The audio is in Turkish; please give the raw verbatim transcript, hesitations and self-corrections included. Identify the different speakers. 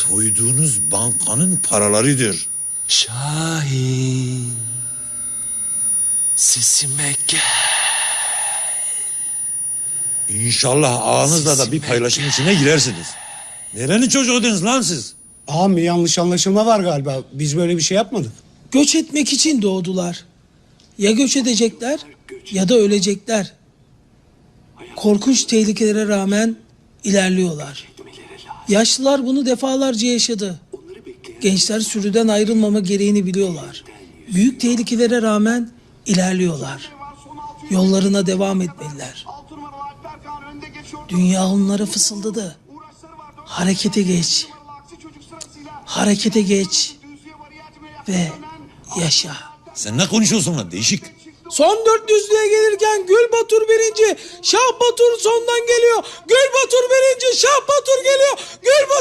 Speaker 1: soyduğunuz bankanın paralarıdır.
Speaker 2: Şahin, sesime gel.
Speaker 1: İnşallah ağanızla da bir paylaşım içine girersiniz. Nerenin çocuğuydunuz lan siz?
Speaker 3: Ağam bir yanlış anlaşılma var galiba. Biz böyle bir şey yapmadık.
Speaker 4: Göç etmek için doğdular. Ya göç edecekler ya da ölecekler. Korkunç tehlikelere rağmen ilerliyorlar. Yaşlılar bunu defalarca yaşadı. Gençler sürüden ayrılmama gereğini biliyorlar. Büyük tehlikelere rağmen ilerliyorlar. Yollarına devam etmeliler. Dünya onlara fısıldadı. Harekete geç. Harekete geç. Ve yaşa.
Speaker 1: Sen ne konuşuyorsun lan değişik?
Speaker 4: Son dört yüzlüğe gelirken Gül Batur birinci, Şah Batur sondan geliyor. Gül Batur birinci, Şah Batur geliyor. Gül Batur